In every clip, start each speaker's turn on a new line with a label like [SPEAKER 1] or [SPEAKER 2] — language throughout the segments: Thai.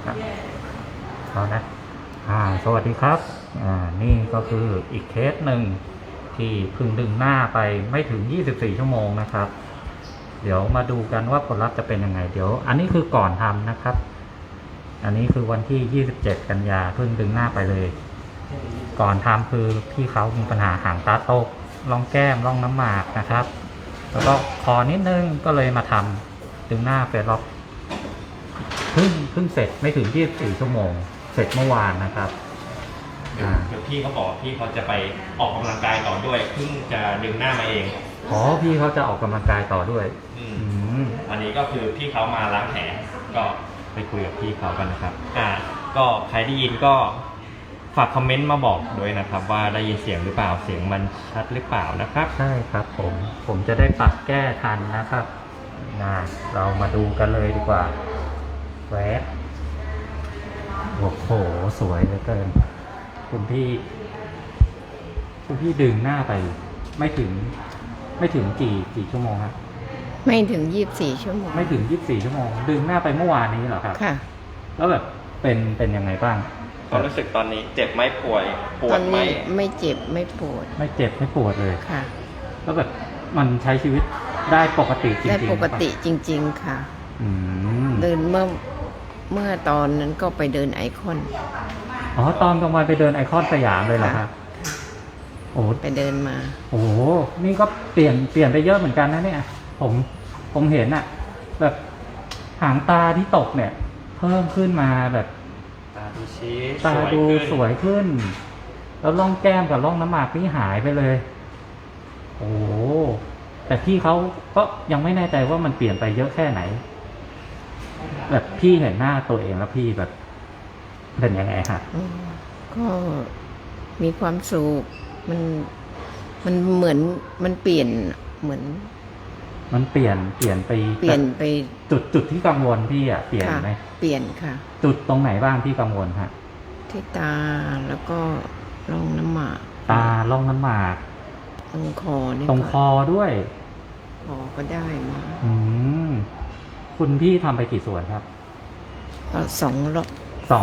[SPEAKER 1] เอานะสวัสดีครับนี่ก็คืออีกเคสหนึ่งที่เพิ่งดึงหน้าไปไม่ถึง24ชั่วโมงนะครับเดี๋ยวมาดูกันว่าผลลัพธ์จะเป็นยังไงเดี๋ยวอันนี้คือก่อนทำนะครับอันนี้คือวันที่27กันยาเพิ่งดึงหน้าไปเลยก่อนทำคือพี่เขามีปัญหาหางตาตกร่องแก้มร่องน้ำหมากนะครับแล้วก็คอนิดนึงก็เลยมาทำดึงหน้าเฟซล็อกเพิ่งเสร็จไม่ถึง24ชั่วโมงเสร็จเมื่อวานนะครับ
[SPEAKER 2] เดี๋ยวพี่เขาบอกพี่เขาจะไปออกกำลังกายต่อด้วยเพิ่งจะดึงหน้ามาเอง
[SPEAKER 1] พี่เขาจะออกกำลังกายต่อด้วย
[SPEAKER 2] วันนี้ก็คือพี่เขามาล้างแผลก็ไปคุยกับพี่เขากันนะครับก็ใครได้ยินก็ฝากคอมเมนต์มาบอกด้วยนะครับว่าได้ยินเสียงหรือเปล่าเสียงมันชัดหรือเปล่านะครับ
[SPEAKER 1] ใช่ครับผมจะได้ปรับแก้ทันนะครับเรามาดูกันเลยดีกว่าแวะโอ้โหสวยเหลือเกินคุณพี่ดึงหน้าไปไม่ถึงกี่ชั่วโมงครับ
[SPEAKER 3] ไม่ถึง24ชั่วโมง
[SPEAKER 1] ไม่ถึง24ชั่วโมงดึงหน้าไปเมื่อวานนี้เหรอครับ
[SPEAKER 3] ค่ะ
[SPEAKER 1] แล้วแบบเป็นยังไงบ้าง
[SPEAKER 2] ความรู้สึกตอนนี้เจ็บไหมปวดไหม
[SPEAKER 3] ไม่เจ็บไม่ปวด
[SPEAKER 1] ไม่เจ็บไม่ปวดเลย
[SPEAKER 3] ค่ะ
[SPEAKER 1] แล้วแบบมันใช้ชีวิตได้ปกติจริงๆ
[SPEAKER 3] ได้ปกติจริงๆค่ะเดินเมื่อตอนนั้นก็ไปเดินไอคอน
[SPEAKER 1] ตอนกลางวันไปเดินไอคอนสยามเลยเหรอครับ
[SPEAKER 3] ไปเดินมา
[SPEAKER 1] นี่ก็เปลี่ยนไปเยอะเหมือนกันนะเนี่ยผมเห็นอะแบบหางตาที่ตกเนี่ยเพิ่มขึ้นมาแบบ
[SPEAKER 2] ตาดูชี้
[SPEAKER 1] ตาดูสวยขึ้นแล้วร่องแก้มกับร่องน้ำหมากนี่หายไปเลยแต่พี่เขาก็ยังไม่แน่ใจว่ามันเปลี่ยนไปเยอะแค่ไหนแบบพี่เห็นหน้าตัวเองแล้วพี่แบบเป็นยังไงฮะ
[SPEAKER 3] ก็มีความสุขมันเหมือนมันเปลี่ยนเหมือน
[SPEAKER 1] มันเปลี่ยนไปจุดที่กังวลพี่เปลี่ยนไหม
[SPEAKER 3] เปลี่ยนค่ะ
[SPEAKER 1] จุดตรงไหนบ้างที่กังวลฮะ
[SPEAKER 3] ที่ตาแล้วก็ร่องน้ำหมาก
[SPEAKER 1] ตาร่องน้ำหมาก
[SPEAKER 3] ตรงคอนี่
[SPEAKER 1] ตรงคอด้วย
[SPEAKER 3] คอก็ได้มา
[SPEAKER 1] คุณพี่ทำไปกี่ส่วนครับ
[SPEAKER 3] 2 ล็อก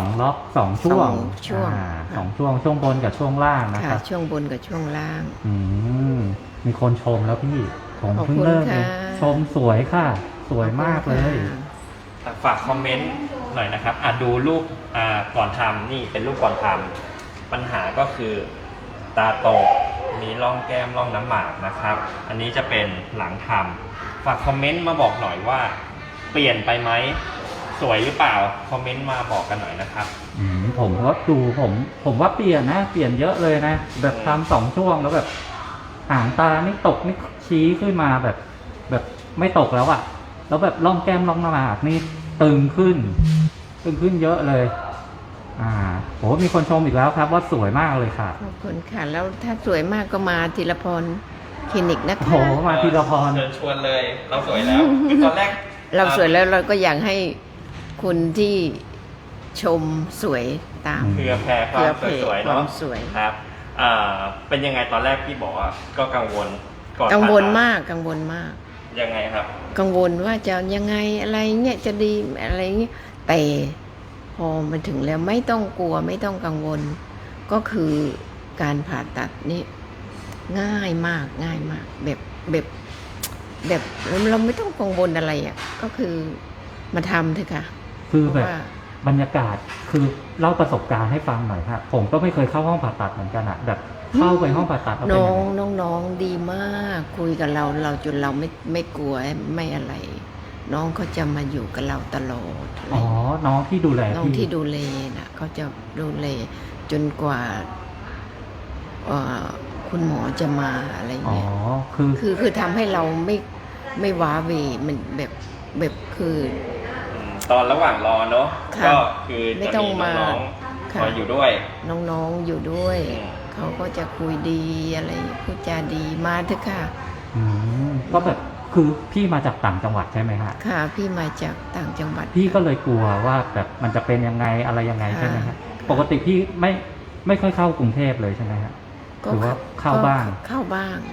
[SPEAKER 1] 2ช่วงช่วงบนกับช่วงล่างนะครับ
[SPEAKER 3] ช่วงบนกับช่วงล่าง
[SPEAKER 1] มีคนชมแล้วพี่ผมเพิ่งเริ่มชมสวยค่ะสวยมากเลย
[SPEAKER 2] ฝากคอมเมนต์หน่อยนะครับดูรูปก่อนทำนี่เป็นรูปก่อนทำปัญหาก็คือตาโตกมีร่องแก้มร่องน้ำหมากนะครับอันนี้จะเป็นหลังทำฝากคอมเมนต์มาบอกหน่อยว่าเปลี่ยนไปไหมสวยหรือเปล่าคอมเมนต์มาบอกกันหน่อยนะครับ
[SPEAKER 1] ผมก็ดูผมว่าเปลี่ยนเยอะเลยนะแบบทำ2ช่วงแล้วแบบหางตานี่ตกนี่ชี้ขึ้นมาแบบไม่ตกแล้วอะแล้วแบบร่องแก้มร่องน้ำหมากนี่ตึงขึ้นเยอะเลยมีคนชมอีกแล้วครับว่าสวยมากเลยค่ะ
[SPEAKER 3] ขอบคุณค่ะแล้วถ้าสวยมากก็มาธีรพรคลินิกนะคะ
[SPEAKER 1] มาธีรพร
[SPEAKER 2] เชิญชวนเลยเราสวยแล้วตอนแรก
[SPEAKER 3] เราสวยแล้วเราก็อยากให้คุณที่ชมสวยตาม
[SPEAKER 2] เพื่อแผ่ความสวยเนาะครับเป็นยังไงตอนแรกพี่บอกว่าก็กังวลก่อน
[SPEAKER 3] กังวลมาก
[SPEAKER 2] ยังไงครับ
[SPEAKER 3] กังวลว่าจะยังไงอะไรเงี้ยจะดีอะไรเงี้ยแต่พอมาถึงแล้วไม่ต้องกลัวไม่ต้องกังวลก็คือการผ่าตัดนี่ง่ายมากแบบเราไม่ต้องกังวลอะไรก็คือมาทำเถอะค่ะ
[SPEAKER 1] คือแบบบรรยากาศคือเล่าประสบการณ์ให้ฟังหน่อยครับผมก็ไม่เคยเข้าห้องผ่าตัดเหมือนกันแบบเข้าไปห้องผ่าตัด
[SPEAKER 3] น้องดีมากคุยกับเราจนเราไม่กลัวไม่อะไรน้องเขาจะมาอยู่กับเราตลอด
[SPEAKER 1] น้องที่ดูแล
[SPEAKER 3] น้องที่ดูแลน่ะเขาจะดูแลจนกว่าคุณหมอจะมาอะไรเงี้ยคือทำให้เราไม่ว้าเวมันแบบคือ
[SPEAKER 2] ตอนระหว่างรอเนาะก็คือจะมีน้องคอยอยู่ด้วย
[SPEAKER 3] น้องอยู่ด้วยเขาก็จะคุยดีอะไรพูดจาดีมาเถอะค่ะ
[SPEAKER 1] ก็แบบคือพี่มาจากต่างจังหวัดใช่ไหมฮะ
[SPEAKER 3] ค่ะพี่มาจากต่างจังหวัด
[SPEAKER 1] พี่ก็เลยกลัวว่าแบบมันจะเป็นยังไงอะไรยังไงใช่ไหมฮะปกติพี่ไม่ค่อยเข้ากรุงเทพเลยใช่ไหมฮะหรือว่าเข้าบ้าง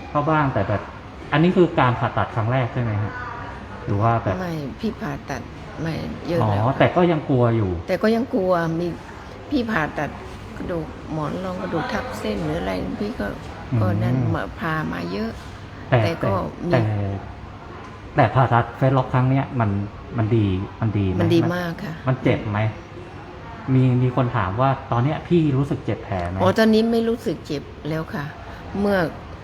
[SPEAKER 1] แต่แบบอันนี้คือการผ่าตัดครั้งแรกใช่ไหมฮะหรือว่าแบบ
[SPEAKER 3] ไม่พี่ผ่าตัดไม่เยอะ
[SPEAKER 1] อ๋อ
[SPEAKER 3] แล้ว
[SPEAKER 1] แต่ก็ยังกลัวอยู่
[SPEAKER 3] แต่ก็ยังกลัวมีพี่ผ่าตัดกระดูกหมอนรองกระดูกทับเส้นหรืออะไรพี่ก็
[SPEAKER 1] อืม
[SPEAKER 3] ก็นั่นมาพามาเยอะ
[SPEAKER 1] แต่
[SPEAKER 3] แต่ก็มี
[SPEAKER 1] แต่ผ่าตัดเฟซล็อกครั้งเนี้ยมันดีไห
[SPEAKER 3] มันดีมากค่ะ
[SPEAKER 1] มันเจ็บไหมมีคนถามว่าตอนเนี้ยพี่รู้สึกเจ็บแผลไหม
[SPEAKER 3] อ๋อตอนนี้ไม่รู้สึกเจ็บแล้วค่ะ เมื่อ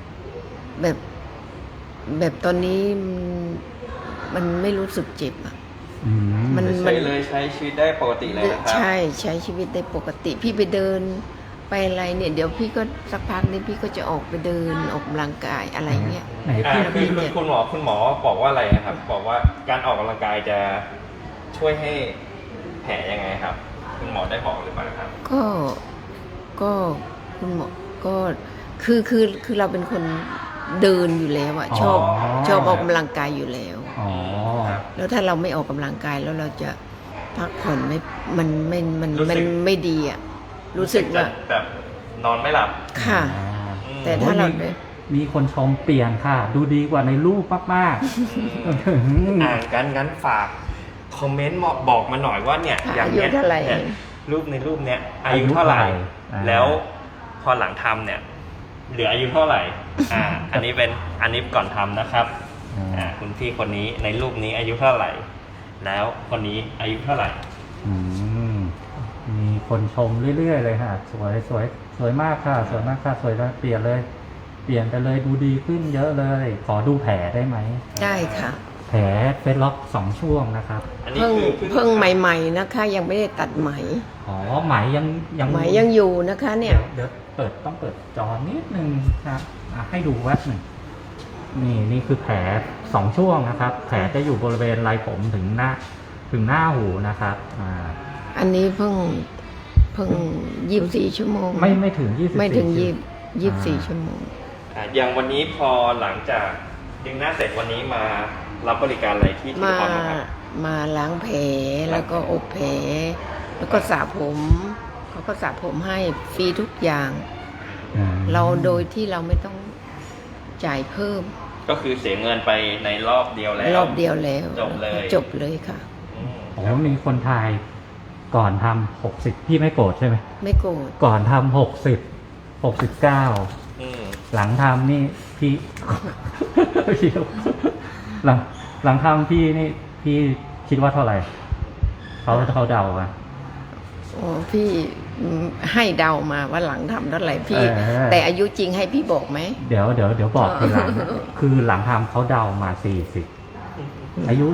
[SPEAKER 3] แบบตอนนี้มันไม่รู้สึกเจ็บอ่ะ
[SPEAKER 1] อืม
[SPEAKER 3] มัน
[SPEAKER 2] ใช้เลยใช้ชีวิตได้ปกติเลยนะครับ
[SPEAKER 3] ใช่ใช้ชีวิตได้ปกติ พี่ไปเดินไปอะไรเนี่ย เดี๋ยวพี่ก็สักพักนี้พี่ก็จะออกไปเดินออกกำลังกายอะไรเงี้ย
[SPEAKER 1] ไหน
[SPEAKER 2] อ่า
[SPEAKER 1] พี่
[SPEAKER 2] คือคุณหมอบอกว่าอะไรนะครับ บอกว่าการออกกำลังกายจะช่วยให้แผลยังไงครับ คุณหมอได้บอกหรือเปล่าครับ
[SPEAKER 3] ก็คุณหมอก็คือเราเป็นคนเดินอยู่แล้วอะชอบออกกำลังกายอยู่แล้ว
[SPEAKER 1] อ๋อ
[SPEAKER 3] แล้วถ้าเราไม่ออกกำลังกายแล้วเราจะพักผ่อนมัน
[SPEAKER 2] รู้สึก
[SPEAKER 3] ไม่ดีอะรู้สึกว่า
[SPEAKER 2] แบบนอนไม่หลับ
[SPEAKER 3] ค่ะ
[SPEAKER 2] อืม
[SPEAKER 3] แต่ถ้าเรา
[SPEAKER 1] มีคนชมเปลี่ยนค่ะ ดูดีกว่าในรูปมาก
[SPEAKER 2] อืมงั้นฝากคอมเมนต์บอกมาหน่อยว่าเนี่ย อย่างเนี้ย
[SPEAKER 3] อายุเท่าไหร่
[SPEAKER 2] เนี่ยรูปในรูปเนี้ยอายุเท่าไหร่ แล้วพอหลังทำเนี่ยเหลืออายุเท่าไหร่ อันนี้ก่อนทำนะครับ คุณพี่คนนี้ในรูปนี้อายุเท่าไหร่ แล้วคนนี้อายุเท่าไหร่
[SPEAKER 1] อืมมีคนชมเรื่อยๆเลยค่ะ สวยมากค่ะ สวยมากค่ะ สวยแล้วเปลี่ยนไปเลยดูดีขึ้นเยอะเลย ขอดูแผลได้ไหม
[SPEAKER 3] ได้ค่ะ
[SPEAKER 1] แผลเฟซล็อก2 ช่วงนะครับ
[SPEAKER 2] อันนี้
[SPEAKER 3] เพิ่งใหม่ๆนะคะ ยังไม่ได้ตัดไหม
[SPEAKER 1] อ๋อไหมยัง
[SPEAKER 3] ไหมยังอยู่นะคะเนี่ย
[SPEAKER 1] เดี๋ยวต้องเปิดจอนิดนึงครับให้ดูแวบหนึ่งนี่คือแผล2 ช่วงนะครับ แผลจะอยู่บริเวณไหล่ผมถึงหน้าหูนะครับ
[SPEAKER 3] อันนี้เพิ่ง24 ชั่วโมง
[SPEAKER 1] ไม่ถึง24
[SPEAKER 3] ไม่ถึง
[SPEAKER 1] ชั่วโม
[SPEAKER 3] 24 ชั่วโมง
[SPEAKER 2] อย่างวันนี้พอหลังจากดึงหน้าเสร็จวันนี้มารับบริการอะไรที่นครนะครับ
[SPEAKER 3] มาล้างแผลแล้วก็อบแผลแล้วก็สระผมเขาก็สระผมให้ฟรีทุกอย่าง เราโดยที่เราไม่ต้องจ่ายเพิ่ม
[SPEAKER 2] ก็คือเสียเงินไปในรอบเดียวแล้ว
[SPEAKER 3] รอบเดียวแล้ว
[SPEAKER 2] จบเลย
[SPEAKER 3] จบเลยค่ะ
[SPEAKER 2] อืม
[SPEAKER 1] โอ้มีคนทายก่อนทำ60พี่ไม่โกรธใช่ไหม
[SPEAKER 3] ไม่โกรธ
[SPEAKER 1] ก่อนทำ69
[SPEAKER 2] อืม
[SPEAKER 1] หลังทำนี่พี่ หลังทำพี่นี่พี่คิดว่าเท่าไหร่เขาเดาอะ
[SPEAKER 3] โอ้พี่ให้เดามาว่าหลังทำเท่าไหร่พี่ แต่อายุจริงให้พี่บอกไหม
[SPEAKER 1] เดี๋ยวบอกทีหลัง คือหลังทำเขาเดามา40อายุ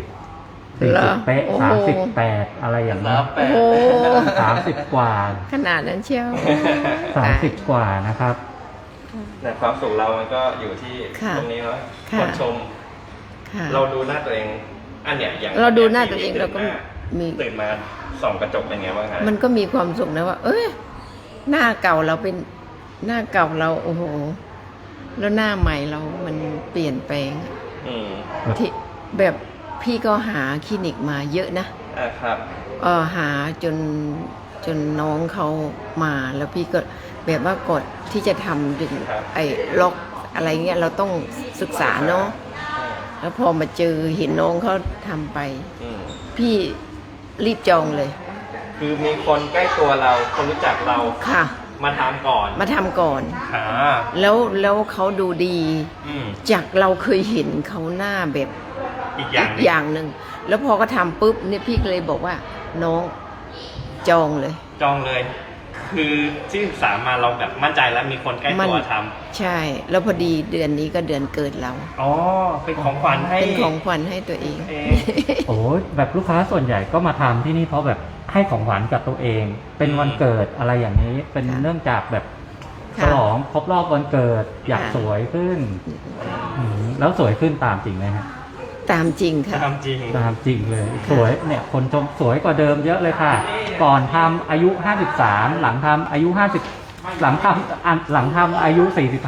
[SPEAKER 1] 40
[SPEAKER 3] เหรอ
[SPEAKER 1] 40เป๊ะ
[SPEAKER 3] โอ้โห
[SPEAKER 1] 38อะไรอย่าง
[SPEAKER 2] แล้
[SPEAKER 1] นั้
[SPEAKER 2] วน แปด
[SPEAKER 3] โอ้
[SPEAKER 1] 30 กว่า
[SPEAKER 3] ขนาดนั้นเชียว
[SPEAKER 1] 30 กว่านะครับ
[SPEAKER 2] แต่ความสุขเรามันก็อยู่ที่
[SPEAKER 3] ค่ะ
[SPEAKER 2] ตรงนี้เนาะ
[SPEAKER 3] ค่ะ
[SPEAKER 2] คนชม
[SPEAKER 3] ค่ะ
[SPEAKER 2] เราดูหน้าตัวเอง อันเนี้ยอย่าง
[SPEAKER 3] เราดูหน้าตัวเองเราก็มี
[SPEAKER 2] ตื่นมาส่องกระจกเป็นไงบ้างฮะ
[SPEAKER 3] มันก็มีความสุขนะว่า เอ้ยหน้าเก่าเราเป็นหน้าเก่าเราโอ้โห แล้วหน้าใหม่เรามันเปลี่ยนแปลง
[SPEAKER 2] อืม
[SPEAKER 3] ที่แบบพี่ก็หาคลินิกมาเยอะนะ
[SPEAKER 2] ครับ
[SPEAKER 3] หาจนน้องเขามาแล้วพี่ก็แบบว่าก่อนที่จะทำดึง
[SPEAKER 2] ครับ
[SPEAKER 3] ไอ้ล็อกอะไรเงี้ยเราต้องศึกษาเนาะแล้วพอมาเจอเห็นน้องเขาทำไป
[SPEAKER 2] อืม
[SPEAKER 3] พี่รีบจองเลย
[SPEAKER 2] คือมีคนใกล้ตัวเรา คนรู้จักเรา
[SPEAKER 3] ค่ะ
[SPEAKER 2] มาทำก่อน
[SPEAKER 3] มาทำก่อน
[SPEAKER 2] อ่า
[SPEAKER 3] แล้วเขาดูดี
[SPEAKER 2] อืม
[SPEAKER 3] จากเราเคยเห็นเขาหน้าแบบ
[SPEAKER 2] อีกอย่างหนึ่ง
[SPEAKER 3] อย่างหนึ่งแล้วพอก็ทำปุ๊บเนี่ยพี่ก็เลยบอกว่าน้องจองเลย
[SPEAKER 2] จองเลย คือที่ศึกษามาเราแบบมั่นใจแล้วมีคนใกล้ตัวท
[SPEAKER 3] ใช่ แล้วพอดีเดือนนี้ก็เดือนเกิดเรา
[SPEAKER 2] ำอ๋อ เป็นของขวัญให้
[SPEAKER 3] เป็นของขวัญให้ตัวเอง
[SPEAKER 2] เอง
[SPEAKER 1] โอ้ยแบบลูกค้าส่วนใหญ่ก็มาทำที่นี่เพราะแบบให้ของขวัญกับตัวเอง เป็นวันเกิดอะไรอย่างนี้ เป็น
[SPEAKER 3] ค่ะ
[SPEAKER 1] เนื่องจากแบบฉ
[SPEAKER 3] ค่ะ
[SPEAKER 1] ลองครบรอบวันเกิด อยาก
[SPEAKER 3] ค่ะ
[SPEAKER 1] สวยขึ้นแล้วสวยขึ้นตามจริงไหมฮะ
[SPEAKER 3] ตามจริงค่ะ
[SPEAKER 2] ทำจริง
[SPEAKER 1] ตามจริงเลย สวยเนี่ยคนชมสวยกว่าเดิมเยอะเลยค่ะ ก่อนทำอายุ53หลังทำอายุ50หลังทำอายุ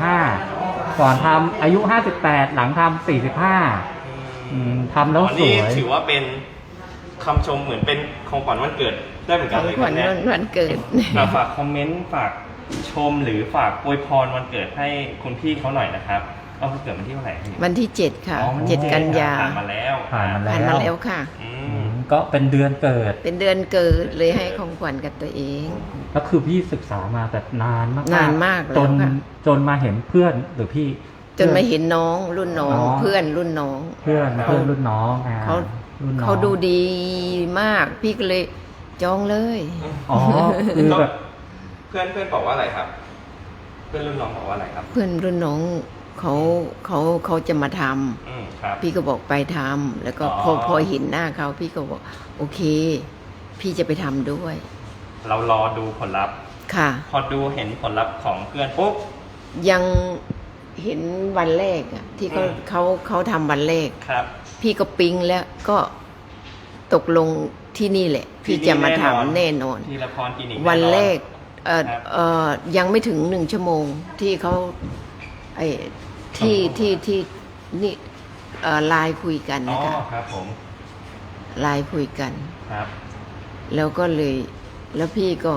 [SPEAKER 1] 45ก่อนทำอายุ58หลังทำ45ทำแล้ว
[SPEAKER 2] อ๋อ
[SPEAKER 1] ส
[SPEAKER 2] นี่
[SPEAKER 1] วย
[SPEAKER 2] ถือว่าเป็นคำชมเหมือนเป็นของขวัญวันเกิดได้เหมือน
[SPEAKER 3] ข
[SPEAKER 2] กัน
[SPEAKER 3] อง
[SPEAKER 2] เลย
[SPEAKER 3] ขวัญ
[SPEAKER 2] เนี่ย
[SPEAKER 3] วันเกิด
[SPEAKER 2] ฝากคอมเมนต์ฝากชมหรือฝากอวยพรวันเกิดให้คุณพี่เขาหน่อยนะครับเอาวันเกิดวันที่เท่าไหร่พี่
[SPEAKER 3] วันที่ 7 ค่ะ
[SPEAKER 2] อ๋อวันที่
[SPEAKER 3] 7 กันยา
[SPEAKER 2] ผ่านมาแล้ว
[SPEAKER 1] ผ่านมา
[SPEAKER 3] ผ่านมาแล้วค่ะ
[SPEAKER 2] อื
[SPEAKER 1] อื
[SPEAKER 2] ม
[SPEAKER 1] มก็เป็นเดือนเกิด
[SPEAKER 3] เป็นเดือนเกิดเลยให้ของขวัญกับตัวเอง
[SPEAKER 1] แล้วคือพี่ศึกษามาแบบนานมากๆ
[SPEAKER 3] นานมากแล้ว
[SPEAKER 1] จน
[SPEAKER 3] ค่ะ
[SPEAKER 1] จนมาเห็นเพื่อนหรือพี่
[SPEAKER 3] จนมาเห็นน้องรุ่นน้อง
[SPEAKER 1] อ๋อ
[SPEAKER 3] เพื่อนรุ่นน้อง
[SPEAKER 1] เพื่อนรุ่นน้อง
[SPEAKER 3] เขา
[SPEAKER 1] รุ่นน้อง
[SPEAKER 3] เขาดูดีมาก พี่ก็เลยจองเลย
[SPEAKER 1] อ๋อคือแบบ
[SPEAKER 2] เพื่อนบอกว่าอะไรครับ เพื่อนรุ่นน้องบอกว่าอะไรครับ
[SPEAKER 3] เพื่อนรุ่นน้องเขาจะมาทำ
[SPEAKER 2] ครับ
[SPEAKER 3] พี่ก็บอกไปทำแล้วก็
[SPEAKER 2] อ๋อ
[SPEAKER 3] พอเห็นหน้าเขาพี่ก็บอกโอเค พี่จะไปทำด้วย
[SPEAKER 2] เรารอดูผลลัพธ์
[SPEAKER 3] ค่ะ
[SPEAKER 2] พอดูเห็นผลลัพธ์ของเพื่อนปุ๊บ
[SPEAKER 3] ยังเห็นวันแรกอะที่เขา
[SPEAKER 2] อืม
[SPEAKER 3] เขาทำวันแรก
[SPEAKER 2] ครับ
[SPEAKER 3] พี่ก็ปิ๊งแล้วก็ตกลงที่นี่แหละ พี่จะมาทำแน่นอน
[SPEAKER 2] ทีละพรคลินิก
[SPEAKER 3] วันแรก
[SPEAKER 2] ครับ
[SPEAKER 3] ยังไม่ถึง1 ชั่วโมงที่เขาไอ้ที่นี่ไลน์คุยกัน
[SPEAKER 2] อ๋อ
[SPEAKER 3] นะคะ
[SPEAKER 2] ครับผม
[SPEAKER 3] ไลน์คุยกัน
[SPEAKER 2] ครับ
[SPEAKER 3] แล้วก็เลยแล้วพี่ก็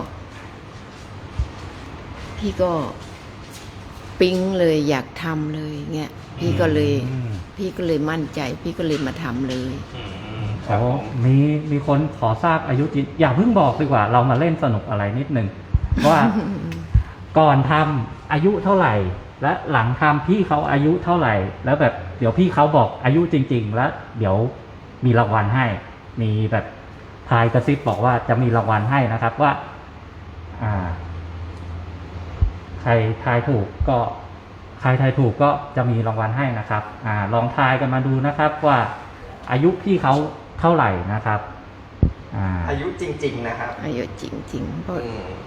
[SPEAKER 3] ปิ๊งเลยอยากทำเลยเงี้ยพี่ก็เลยมั่นใจ พี่ก็เลยมาทำเลย
[SPEAKER 2] ครั
[SPEAKER 1] โอ้
[SPEAKER 2] บผม
[SPEAKER 1] มีคนขอทราบอายุจริงอย่าเพิ่งบอกดีกว่า เรามาเล่นสนุกอะไรนิดนึงว่า ก่อนทำอายุเท่าไหร่ และหลังทำพี่เขาอายุเท่าไหร่ แล้วแบบเดี๋ยวพี่เขาบอกอายุจริง ๆ แล้วเดี๋ยวมีรางวัลให้ มีแบบทายกระซิบบอกว่าจะมีรางวัลให้นะครับว่า ใครทายถูกก็จะมีรางวัลให้นะครับ ลองทายกันมาดูนะครับว่าอายุพี่เขาเท่าไหร่นะครับ
[SPEAKER 2] อายุจริง ๆ นะครับ
[SPEAKER 3] อายุจริงๆเพราะ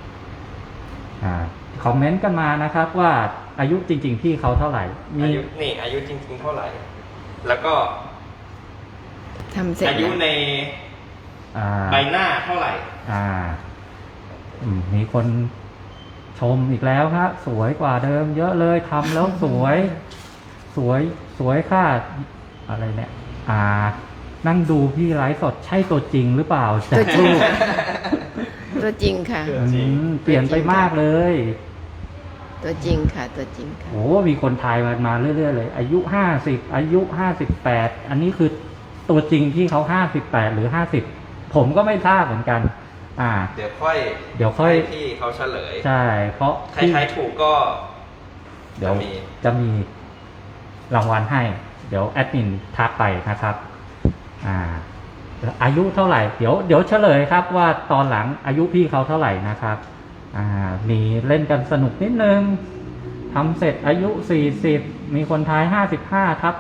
[SPEAKER 1] คอมเมนต์กันมานะครับว่าอายุจริง ๆ พี่เขาเท่าไหร่ มี
[SPEAKER 2] อายุจริง ๆ เท่าไหร่ แล้วก็
[SPEAKER 3] ทำเสร็จ
[SPEAKER 2] อายุ
[SPEAKER 3] แล้ว
[SPEAKER 2] ใน
[SPEAKER 1] อ่า
[SPEAKER 2] ใบหน้าเท่าไหร่
[SPEAKER 1] มีคนชมอีกแล้วครับสวยกว่าเดิม เยอะเลยทำแล้วสวยค่ะอะไรเนี่ยนั่งดูพี่ไลฟ์สดใช่ตัวจริงหรือเปล่าจากรูป
[SPEAKER 3] ตัวจริงค่ะ
[SPEAKER 1] เปลี่ยนไปมากเลย
[SPEAKER 3] ตัวจริงค่ะ ตัวจริงค่ะ
[SPEAKER 1] โอ้มีคนทายมาเรื่อยๆเลย อายุ50อายุ58อันนี้คือตัวจริงที่เขา58หรือ50ผมก็ไม่ทราบเหมือนกัน
[SPEAKER 2] เดี๋ยวค่อย
[SPEAKER 1] ให้
[SPEAKER 2] พี่เขาเฉลย
[SPEAKER 1] ใช่เพราะ
[SPEAKER 2] ใครทายถูกก็
[SPEAKER 1] เดี๋ยวจะมีรางวัลให้ เดี๋ยวแอดมินทักไปนะครับ อายุเท่าไหร่เดี๋ยวเฉลยครับว่าตอนหลังอายุพี่เขาเท่าไหร่นะครับมีเล่นกันสนุกนิดนึงทำเสร็จอายุ40มีคนทาย55ทับ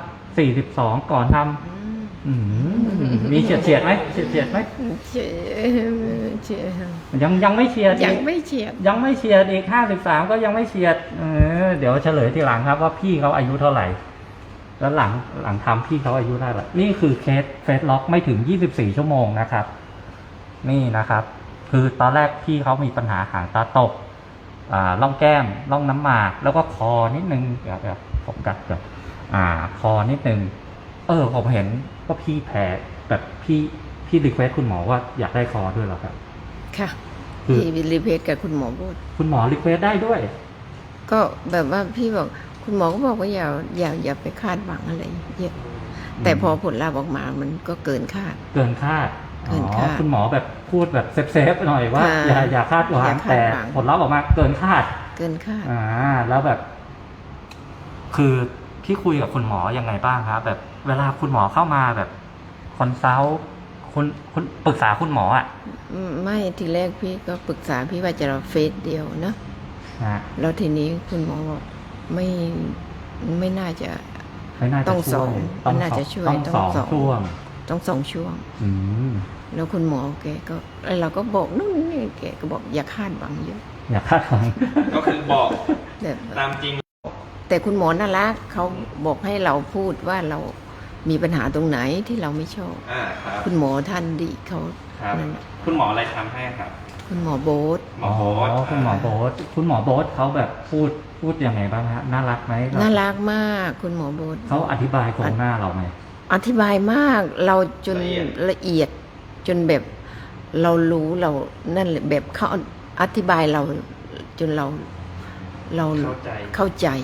[SPEAKER 1] 42ก่อนทำมีเฉียดไหมเฉียดไหม
[SPEAKER 3] เชียร์
[SPEAKER 1] ยังไม่เฉียด
[SPEAKER 3] ยังไม่เฉียด
[SPEAKER 1] ยังไม่เฉียดอีก53ก็ยังไม่เฉียดเดี๋ยวเฉลยทีหลังครับว่าพี่เขาอายุเท่าไหร่ แล้วหลังทำพี่เขาอายุเท่าไหร่นี่คือเคสเฟสล็อกไม่ถึง24ชั่วโมงนะครับ นี่นะครับ คือตอนแรกพี่เขามีปัญหาหางตาตกร่องแก้มร่องน้ำหมากแล้วก็คอนิดนึงเดี๋ยวผมกัดก่อนคอนิดนึงผมเห็นก็พี่แพ้แบบพี่รีเควสคุณหมอว่าอยากได้คอด้วยเหรอครับ
[SPEAKER 3] ค่ะ
[SPEAKER 1] คือ
[SPEAKER 3] พี่รีเพทกับคุณหมอพูด
[SPEAKER 1] คุณหมอรีเควสได้ด้วย
[SPEAKER 3] ก็แบบว่าพี่บอกคุณหมอก็บอกว่าอย่าไปคาดหวังอะไรเยอะแต่พอผลลัพธ์ออกมามันก็เกินคาด
[SPEAKER 1] เกินคาด
[SPEAKER 3] เกินคาด
[SPEAKER 1] คุณหมอแบบพูดแบบเซฟหน่อยว่า อย่าคาดหวั
[SPEAKER 3] อย่าง คา
[SPEAKER 1] แต่
[SPEAKER 3] ดหวัง
[SPEAKER 1] ผลลัพธ์ออกมาเกินคาด
[SPEAKER 3] เกินคาด
[SPEAKER 1] แล้วแบบ คือพี่คุยกับคุณหมอยังไงบ้างครับแบบเวลาคุณหมอเข้ามาแบบคอนซัลท์คุณปรึกษาคุณหมอ
[SPEAKER 3] ไม่ทีแรกพี่ก็ปรึกษาพี่ว่าจะเราเฟสเดียวนะ แล้วทีนี้คุณหมอบอกไม่น่าจะ ต้อง
[SPEAKER 1] ช่วย
[SPEAKER 3] ไม่น่าจะช่วย
[SPEAKER 1] ต้องสอง
[SPEAKER 3] ต้องสอง
[SPEAKER 1] ช่วง
[SPEAKER 3] ต้อง2 ช่วง
[SPEAKER 1] อืม
[SPEAKER 3] แล้วคุณหมอแกก็เราก็บอกนู่นนี่แกก็บอกอย่าคาดหวังเยอะ
[SPEAKER 1] อย่าคาดหวัง
[SPEAKER 2] ก็คือบอก
[SPEAKER 3] แบบ
[SPEAKER 2] ตามจริง
[SPEAKER 3] แต่คุณหมอน่ารักเขาบอกให้เราพูดว่าเรามีปัญหาตรงไหนที่เราไม่ชอบ
[SPEAKER 2] ครับ
[SPEAKER 3] คุณหมอท่านดีเขา
[SPEAKER 2] ครับ
[SPEAKER 3] นั่นน่ะ
[SPEAKER 2] คุณหมออะไรทำให้ครับ
[SPEAKER 3] คุณหมอโบ๊ท
[SPEAKER 2] หมอโบ๊ท
[SPEAKER 1] คุณหมอโบ๊ทคุณหมอโบ๊ทเขาแบบพูดยังไงบ้างฮะน่ารักไหม
[SPEAKER 3] น่ารักมากคุณหมอโบ๊ท
[SPEAKER 1] เขาอธิบายโครงหน้าเราไหม
[SPEAKER 3] อธิบายมากเราจนละเอียดจนแบบเรารู้เรานั่นแหละแบบเขาอธิบายเราจนเรา
[SPEAKER 2] เข้าใจ
[SPEAKER 3] เข้าใจอะ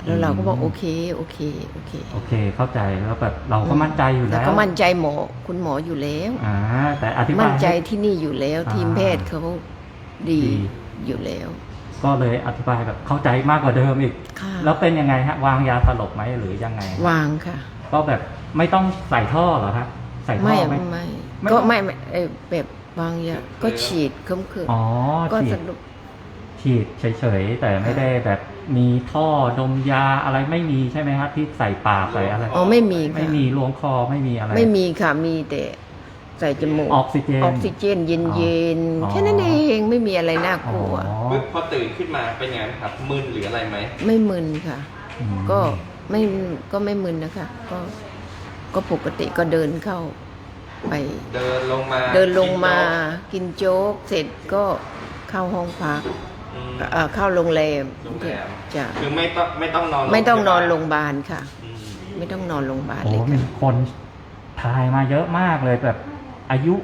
[SPEAKER 3] แล้วเราก็บอกโอเค
[SPEAKER 1] โอเคเข้าใจแล้วแบบเราก็มั่นใจอยู่
[SPEAKER 3] แล้
[SPEAKER 1] แล้ว ว
[SPEAKER 3] ก็มั่นใจคุณหมออยู่แล้ว
[SPEAKER 1] แต่อธิบาย
[SPEAKER 3] มั่นใจที่นี่อยู่แล้ว
[SPEAKER 1] อ่า
[SPEAKER 3] ทีมแพทย์เขาดีอยู่แล้ว
[SPEAKER 1] ก็เลยอธิบายแบบเข้าใจมากกว่าเดิมอีก
[SPEAKER 3] ค่ะ
[SPEAKER 1] แล้วเป็นยังไงฮะวางยาสลบไหมหรือยังไง
[SPEAKER 3] วางค่ะ
[SPEAKER 1] ก็แบบไม่ต้องใส่ท่อเหรอครับใส่ท่อ
[SPEAKER 3] ไม่
[SPEAKER 1] ไหม
[SPEAKER 3] ไม่
[SPEAKER 1] ไม่
[SPEAKER 3] ก็
[SPEAKER 1] ต้อง
[SPEAKER 3] ไม่แบบวางยาก็ฉีดเคืม
[SPEAKER 1] อ๋อ
[SPEAKER 3] ก็
[SPEAKER 1] ฉี
[SPEAKER 3] ส
[SPEAKER 1] ด
[SPEAKER 3] รุป
[SPEAKER 1] ฉีดเฉยๆแต่ไม่ได้แบบมีท่อดมยาอะไรไม่มีใช่ไหมครับที่ใส่ปากใส่อะไร
[SPEAKER 3] อ๋อไม่มีค่ะ
[SPEAKER 1] ไม่มีล้วงคอไม่มีอะไร
[SPEAKER 3] ไม่มีค่ะมีแต่ใส่จมูก
[SPEAKER 1] ออกซิเจน
[SPEAKER 3] ออกซิเจนเย็น
[SPEAKER 1] อ๋อ
[SPEAKER 3] ๆแค่นั้นเองไม่มีอะไรน่ากลัว
[SPEAKER 1] อ๋อ
[SPEAKER 2] ปึ๊บพอตื่นขึ้นมาเป็นไงครับมึนหรืออะไรไหม
[SPEAKER 3] ไม่มึนค่ะ
[SPEAKER 1] อืม
[SPEAKER 3] ก็ไม่มึนนะคะ ก็ปกติก็เดินเข้าไป
[SPEAKER 2] เดินลงมา
[SPEAKER 3] เดินลงมา
[SPEAKER 2] กินโจ๊ก
[SPEAKER 3] กินโจ๊กเสร็จก็เข้าห้องพัก
[SPEAKER 2] อืม
[SPEAKER 3] เข้าโรงแรม
[SPEAKER 2] โรงแรม
[SPEAKER 3] จ้ะ
[SPEAKER 2] คือไม่ต้องนอน
[SPEAKER 3] ไม่ต้องนอนโรงพยาบาลค่ะ
[SPEAKER 2] อืม
[SPEAKER 3] ไม่ต้องนอนโรงพยาบาล
[SPEAKER 1] โอ้
[SPEAKER 3] เลย
[SPEAKER 1] มี
[SPEAKER 3] ค่ะ
[SPEAKER 1] คนทายมาเยอะมากเลยแบบอายุ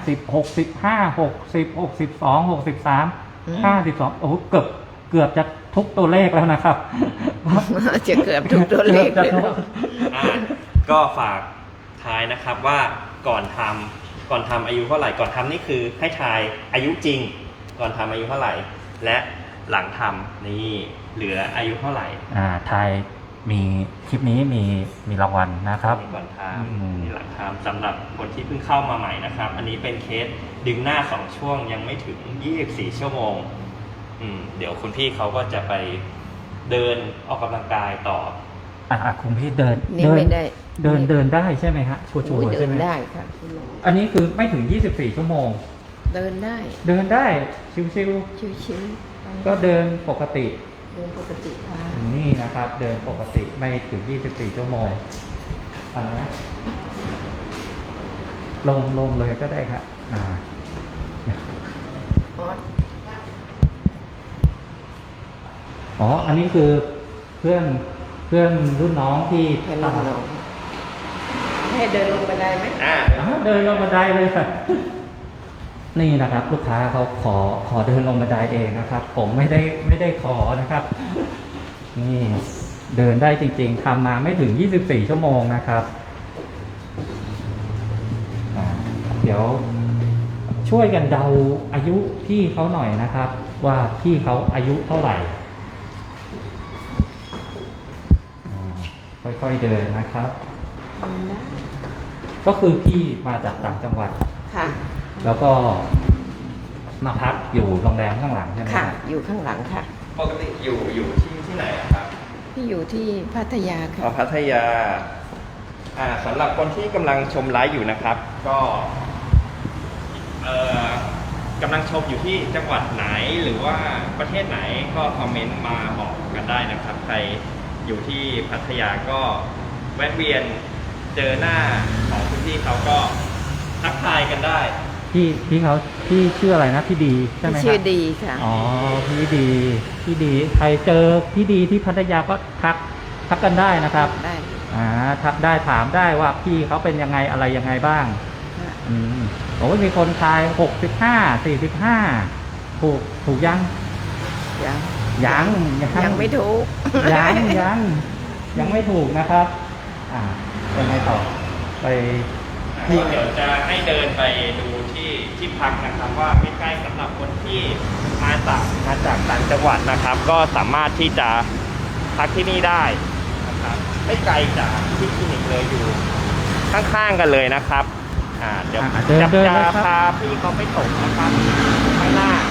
[SPEAKER 1] 52 โอ้โหเกือบจะทุกตัวเลขแล้วนะครับ
[SPEAKER 3] จะเกือบทุกตัวเลขเลย
[SPEAKER 2] อ่ะก็ฝากทายนะครับว่าก่อนทำอายุเท่าไหร่ก่อนทำนี่คือให้ทายอายุจริง ก่อนทำอายุเท่าไหร่ และหลังทำนี่เหลืออายุเท่าไหร่
[SPEAKER 1] ทายมีคลิปนี้มีรางวัลนะครับ
[SPEAKER 2] มีก่อนท
[SPEAKER 1] อืม
[SPEAKER 2] ำมีหลังทำสำหรับคนที่เพิ่งเข้ามาใหม่นะครับ อันนี้เป็นเคสดึงหน้า2ช่วงยังไม่ถึง24ชั่วโมงเดี๋ยวคุณพี่เขาก็จะไปเดินออกกำลังกายต่อ
[SPEAKER 1] คุณพี่เดิน
[SPEAKER 3] นี่ไม่ได้
[SPEAKER 1] เดินได้ใช่ไหมฮะชัว
[SPEAKER 3] โอ้ย
[SPEAKER 1] ร์ๆ
[SPEAKER 3] เดิ
[SPEAKER 1] ใช่
[SPEAKER 3] น
[SPEAKER 1] ไหม
[SPEAKER 3] ได้ค่ะ
[SPEAKER 1] อันนี้คือไม่ถึง24ชั่วโมง
[SPEAKER 3] เดินได้
[SPEAKER 1] เดินได้ชิว
[SPEAKER 3] ชิว
[SPEAKER 1] ๆก็เดินปกติ
[SPEAKER 3] เดินปกติค่ะ
[SPEAKER 1] นี่นะครับ เดินปกติไม่ถึง24ชั่วโมงอันนะลงเลยก็ได้ครับอ๋อ อันนี้คือเพื่อนรุ่นน้องที่
[SPEAKER 3] แค่ลงลงให้เดินลงไปได้ไหม
[SPEAKER 1] เดินลงบันไดเลยค่ะ นี่นะครับ ลูกค้าเขาขอเดินลงบันไดเองนะครับ ผมไม่ได้ขอนะครับ นี่เดินได้จริงๆทำมาไม่ถึง24ชั่วโมงนะครับเดี๋ยวช่วยกันเดาอายุพี่เขาหน่อยนะครับ ว่าพี่เขาอายุเท่าไหร่ค่อยๆเดินนะครับ ก็คือพี่มาจากต่างจังหวัด
[SPEAKER 3] ค่ะ
[SPEAKER 1] แล้วก็มาพักอยู่โรงแรมข้างหลังใช่ไหม
[SPEAKER 3] ค่ะ
[SPEAKER 1] รับ
[SPEAKER 3] อยู่ข้างหลังค่ะ
[SPEAKER 2] ปกติอยู่ที่ไหนอะครับ
[SPEAKER 3] ที่อยู่ที่พัทยาค่ะ
[SPEAKER 2] พัทยาสำหรับคนที่กำลังชมไลฟ์อยู่นะครับ ก็กำลังชมอยู่ที่จังหวัดไหนหรือว่าประเทศไหนก็คอมเมนต์มาบอกกันได้นะครับ ใครอยู่ที่พัทยาก็แวะเวียนเจอหน้าของคุณพี่เขาก็ทักทายกันได้
[SPEAKER 1] พี่เขาพี่ชื่ออะไรนะพี่ดีใช่ไหมครับ
[SPEAKER 3] ชื่อดีค่ะ
[SPEAKER 1] อ๋อพี่ดีใครเจอพี่ดีที่พัทยาก็ทักกันได้นะครับ
[SPEAKER 3] ได้
[SPEAKER 1] ทักได้ถามได้ว่าพี่เขาเป็นยังไงอะไรยังไงบ้าง
[SPEAKER 3] ค่ะ
[SPEAKER 1] โอ้ยมีคนทาย45 ถูกยัง
[SPEAKER 3] ยังไม่ถูก
[SPEAKER 1] ยังไม่ถูกนะครับยังไงต่อไป
[SPEAKER 2] เดี๋ยวจะให้เดินไปดูที่พักนะครับว่าใกล้ๆสำหรับคนที่มาจากต่างจังหวัดนะครับ ก็สามารถที่จะพักที่นี่ได้นะครับไม่ไกลจากที่คลินิกเลยอยู่ข้างๆกันเลยนะครับเดี๋ยว
[SPEAKER 1] เดิน
[SPEAKER 2] จะ
[SPEAKER 1] นะครับ
[SPEAKER 2] พาพี่เขาไปส่งนะครับข้างหน้า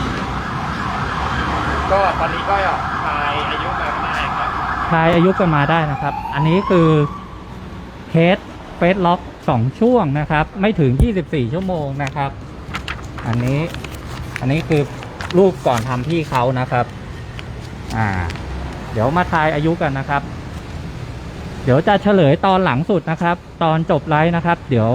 [SPEAKER 2] ก็ตอนนี้ก็ทายอายุมาได้ครับ
[SPEAKER 1] ทายอายุกันมาได้นะครับ อันนี้คือเคสเฟสล็อก2ช่วงนะครับ ไม่ถึง24ชั่วโมงนะครับ อันนี้คือรูปก่อนทำพี่เขานะครับ เดี๋ยวมาทายอายุกันนะครับ เดี๋ยวจะเฉลยตอนหลังสุดนะครับ ตอนจบไลฟ์นะครับ เดี๋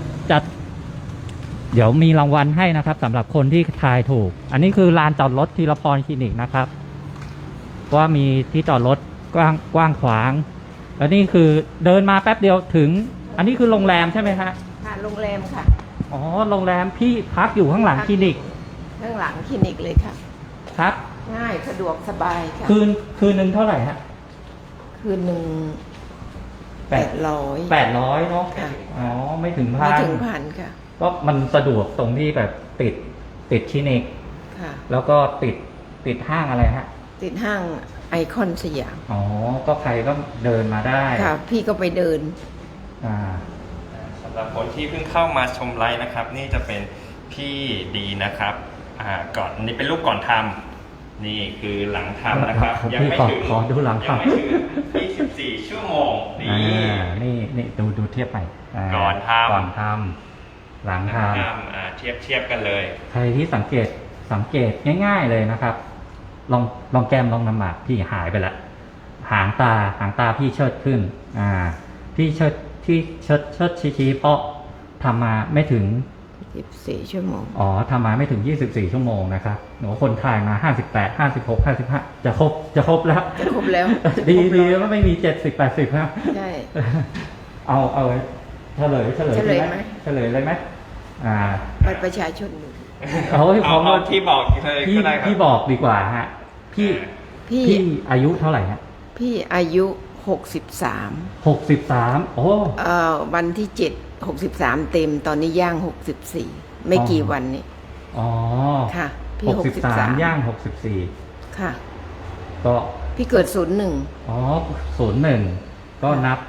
[SPEAKER 1] ยวมีรางวัลให้นะครับสำหรับคนที่ทายถูก อันนี้คือลานจอดรถธีรพรคลินิกนะครับว่ามีที่จอดรถกว้างขวาง แล้วนี่คือเดินมาแป๊บเดียวถึง อันนี้คือโรงแรมใช่ไหมฮะ
[SPEAKER 3] ค่ะโรงแรมค่ะ
[SPEAKER 1] อ๋อโรงแรมพี่พักอยู่ข้างหลังคลินิก
[SPEAKER 3] ข้างหลังคลินิกเลยค่ะ
[SPEAKER 1] ครับ
[SPEAKER 3] ง่ายสะดวกสบายค่ะ
[SPEAKER 1] คืนนึงเท่าไหร่ฮะ
[SPEAKER 3] คืนหนึ่ง
[SPEAKER 1] แปด
[SPEAKER 3] 800
[SPEAKER 1] 800เนาะ
[SPEAKER 3] ค่ะ
[SPEAKER 1] อ๋อไม่ถึงพั
[SPEAKER 3] ไม่
[SPEAKER 1] น
[SPEAKER 3] ถึงพันค่ะ
[SPEAKER 1] ก็มันสะดวกตรงที่แบบติดคลินิก
[SPEAKER 3] ค่ะ
[SPEAKER 1] แล้วก็ติดห้างอะไรฮะ
[SPEAKER 3] ติดห้างไอคอนสยาม
[SPEAKER 1] อ๋อก็ใครก็เดินมาได้
[SPEAKER 3] ค่ะ พี่ก็ไปเดิน
[SPEAKER 1] อ่า
[SPEAKER 2] สำหรับคนที่เพิ่งเข้ามาชมไลฟ์นะครับ นี่จะเป็นพี่ดีนะครับก่อนนี่เป็นรูปก่อนทำนี่คือหลังทำนะครับ ยังไม่ถึง
[SPEAKER 1] ขอดูหลัง
[SPEAKER 2] ยัง
[SPEAKER 1] ทำ
[SPEAKER 2] ไม่ถึง24 ชั่วโมงนี่
[SPEAKER 1] นี่ดูเทียบไปา
[SPEAKER 2] ก่อนทำ
[SPEAKER 1] ก่อนทำหลังท
[SPEAKER 2] เทียบกันเลย
[SPEAKER 1] ำใครที่สังเกตง่ายๆเลยนะครับ ลองแก้มลองน้ำหมากพี่หายไปแล้วหางตาพี่เชิดขึ้นพี่เชิดชี้เพราะทำมาไม่ถึง
[SPEAKER 3] 14 ชั่วโมง
[SPEAKER 1] อ๋อทำมาไม่ถึง24ชั่วโมงนะครับหนูคนถ่ายมา58 56 55จะครบแล้ว
[SPEAKER 3] จะครบแล้ว
[SPEAKER 1] ดี
[SPEAKER 3] ครบแล้ว
[SPEAKER 1] แล้วไม่มี70 80นะ
[SPEAKER 3] ใช่
[SPEAKER 1] เอาเฉลย
[SPEAKER 3] เฉลยไหม
[SPEAKER 1] เฉลยเลยไหม
[SPEAKER 3] บัตรประชาชนหนู
[SPEAKER 1] เอาให้พร้อม
[SPEAKER 2] เอาที่บอกเลย
[SPEAKER 1] พี่
[SPEAKER 2] ก็ได้ครับ
[SPEAKER 1] พี่บอกดีกว่าฮะพี่
[SPEAKER 3] พี่
[SPEAKER 1] พี่อายุเท่าไหร่ฮะ
[SPEAKER 3] พี่อายุ 63
[SPEAKER 1] 63โอ้
[SPEAKER 3] วันที่ 7 63 เต็มตอนนี้ย่าง 64 ไม่กี่วันนี้
[SPEAKER 1] อ๋อ
[SPEAKER 3] ค่ะ พี่
[SPEAKER 1] 63ย่าง
[SPEAKER 3] ค่ะ
[SPEAKER 1] 64ก็
[SPEAKER 3] พี่เกิด
[SPEAKER 1] อ๋อ01ก็นับ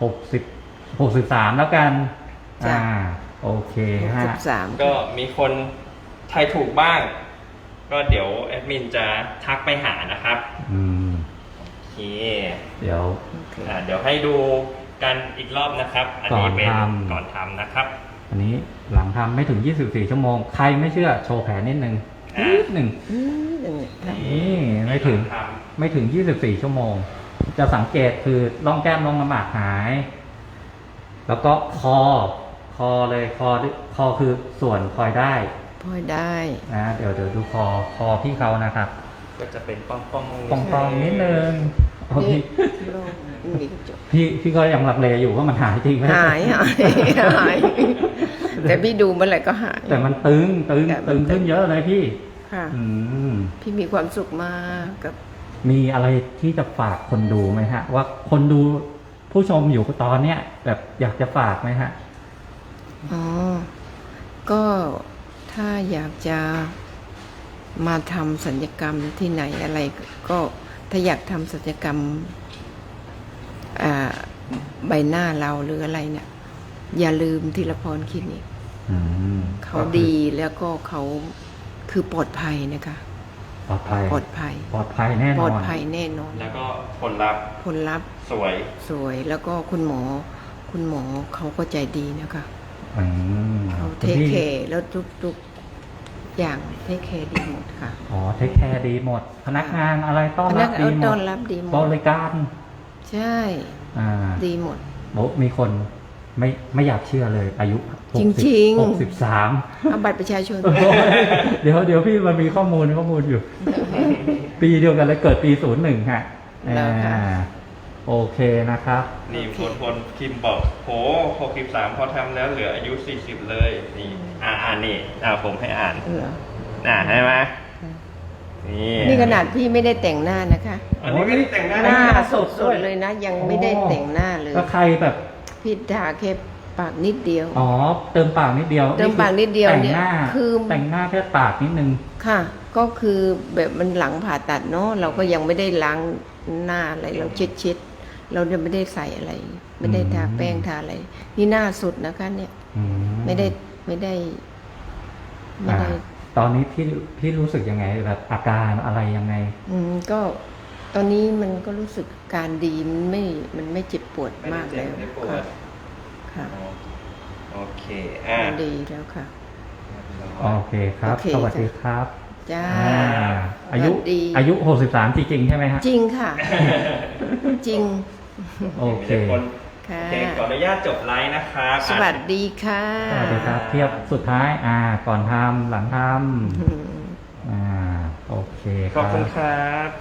[SPEAKER 1] 63แล้วกัน
[SPEAKER 3] จ้ะ
[SPEAKER 1] โอเคฮะ
[SPEAKER 3] 01 63
[SPEAKER 2] ก็มีคนทายถูกบ้าง ก็เดี๋ยวแอดมินจะทักไปหานะครับ
[SPEAKER 1] อืม
[SPEAKER 2] โอเค
[SPEAKER 1] เดี๋ยว
[SPEAKER 2] เดี๋ยวให้ดูกันอีกรอบนะครับ อันนี้เป็น
[SPEAKER 1] ก่อนทำ
[SPEAKER 2] ก่อนทำนะครับ
[SPEAKER 1] อันนี้หลังทำไม่ถึง24ชั่วโมงใครไม่เชื่อโชว์แผลนิดนึง
[SPEAKER 2] อ่า
[SPEAKER 1] นิดหนึ่ง
[SPEAKER 3] ค่ะ
[SPEAKER 1] นี่ไม่ถึง
[SPEAKER 2] ท
[SPEAKER 1] 24ชั่วโมง จะสังเกตคือร่องแก้มร่องน้ำหมากหาย แล้วก็คอเลยคอคือส่วนคอยได้
[SPEAKER 3] พอได้
[SPEAKER 1] นะเดี๋ยวดูคอพี่เขานะครับ
[SPEAKER 2] ำก็จะเป็นป้อง
[SPEAKER 1] ปองๆนิดนึงโอ้พี่
[SPEAKER 3] โล่งมีกระจก
[SPEAKER 1] พี่ก็ยังลังเลอยู่ว่ามันหายจริงไหม
[SPEAKER 3] หายแต่พี่ดูเมื่อไหร่ก็หาย
[SPEAKER 1] แต่มันตึง
[SPEAKER 3] แต่มันตึง
[SPEAKER 1] ขึ้นเยอะเลยพี่
[SPEAKER 3] ค่ะ
[SPEAKER 1] อืม
[SPEAKER 3] พี่มีความสุขมากกับ
[SPEAKER 1] มีอะไรที่จะฝากคนดูไหมฮะ ว่าคนดูผู้ชมอยู่ตอนเนี้ยแบบอยากจะฝากไหมฮะ
[SPEAKER 3] อ๋อ ก็ถ้าอยากจะมาทำศัลยกรรมที่ไหนอะไร ก็ถ้าอยากทำศัลยกรรมใบหน้าเราหรืออะไรเนี่ย อย่าลืมธีรพรคลินิก
[SPEAKER 1] อืม
[SPEAKER 3] เขาดีแล้วก็เขาคือปลอดภัยนะคะ
[SPEAKER 1] ปลอดภัย
[SPEAKER 3] ปลอดภัย
[SPEAKER 1] ปลอดภัยแน่นอน
[SPEAKER 3] ปลอดภัยแน่นอน
[SPEAKER 2] แล้วก็ผลลัพธ์
[SPEAKER 3] ผลลัพธ์
[SPEAKER 2] สวย
[SPEAKER 3] สวยแล้วก็คุณหมอเขาก็ใจดีนะคะ
[SPEAKER 1] อืม
[SPEAKER 3] เขาเทคแคร์แล้วทุกอย่างเทคแคร์ดีหมดค่ะ
[SPEAKER 1] อ๋อเทคแคร์ดีหมด พนักงานอะไรต้อน
[SPEAKER 3] พ
[SPEAKER 1] รั
[SPEAKER 3] นั
[SPEAKER 1] บ
[SPEAKER 3] ก
[SPEAKER 1] ดี
[SPEAKER 3] งาน
[SPEAKER 1] หม
[SPEAKER 3] ต้อ
[SPEAKER 1] ด
[SPEAKER 3] นรับดีหม
[SPEAKER 1] บ
[SPEAKER 3] ด
[SPEAKER 1] ริการ
[SPEAKER 3] ใช่ ดีหมด
[SPEAKER 1] บอกมีคนไม่อยากเชื่อเลยอายุ60
[SPEAKER 3] จริงๆ
[SPEAKER 1] 63
[SPEAKER 3] เอาบัตรประชาชน
[SPEAKER 1] โอ้ยเดี๋ยวพี่มันมีข้อมูลอยู่ ปีเดียวกันเลยเกิดปี01ฮะ
[SPEAKER 3] แล้วค่ะ
[SPEAKER 1] โอเคนะครับ
[SPEAKER 2] นี่
[SPEAKER 3] โอเค
[SPEAKER 2] คนพิมพ์บอกโห63พอทำแล้วเหลืออายุ40เลยนี่นี่ผมให้อ่าน
[SPEAKER 3] เหรอ
[SPEAKER 2] ใช่ไหมนี่
[SPEAKER 3] นี่ขนาดพี่ไม่ได้แต่งหน้านะคะ
[SPEAKER 2] อันนี้ไม่ได้แต่งหน้า
[SPEAKER 3] หน้า
[SPEAKER 2] นะ
[SPEAKER 3] สดๆเลยนะ ยังไม่ได้แต่งหน้าเลย
[SPEAKER 1] ก็ใครแบบ
[SPEAKER 3] พี่ทาแค่ปากนิดเดียว
[SPEAKER 1] อ๋อ เติมปากนิดเดียว
[SPEAKER 3] เติมปากนิดเดียว
[SPEAKER 1] แต่ง
[SPEAKER 3] เนี่ย
[SPEAKER 1] หน้า
[SPEAKER 3] คือ
[SPEAKER 1] แต่งหน้าแค่ปากนิดนึง
[SPEAKER 3] ค่ะ ก็คือแบบมันหลังผ่าตัดเนาะเราก็ยังไม่ได้ล้างหน้าอะไรเราเช็ดเราจะไม่ได้ใส่อะไร ไม่ได้ทาแป้งทาอะไร นี่หน้าสุดนะคะเนี่ย
[SPEAKER 1] อื
[SPEAKER 3] ไม่ได้
[SPEAKER 1] อ่าตอนนี้พี่รู้สึกยังไงแบบอาการอะไรยังไง
[SPEAKER 3] ก็ตอนนี้มันก็รู้สึกการดีมันไม่เจ็บปวดมากแล้ว
[SPEAKER 2] ไม่ได้ปว
[SPEAKER 3] ค่ะ
[SPEAKER 2] ด
[SPEAKER 3] ค่ะ
[SPEAKER 2] โอเค
[SPEAKER 3] มันดีแล้วค่ะ
[SPEAKER 1] โอเคครับ
[SPEAKER 3] โอเค
[SPEAKER 1] สวัสดีครับ
[SPEAKER 3] จ้า
[SPEAKER 1] อายุ
[SPEAKER 3] สวัสดี
[SPEAKER 1] อายุ63จริงๆใช่ไหมฮะ
[SPEAKER 3] จริงค่ะ จริง
[SPEAKER 1] โอเค
[SPEAKER 2] มีแต่น
[SPEAKER 3] ค่ะ
[SPEAKER 2] โอเคขออนุญาตจบไลฟ์นะครับ
[SPEAKER 3] สวัสดีค่ะ
[SPEAKER 1] สวัสดีครับ เทียบสุดท้าย ก่อนทำหลังท
[SPEAKER 3] อืม
[SPEAKER 1] ำโอเคค
[SPEAKER 2] ขอบ
[SPEAKER 1] รั
[SPEAKER 2] คุณ
[SPEAKER 1] บ
[SPEAKER 2] ครับ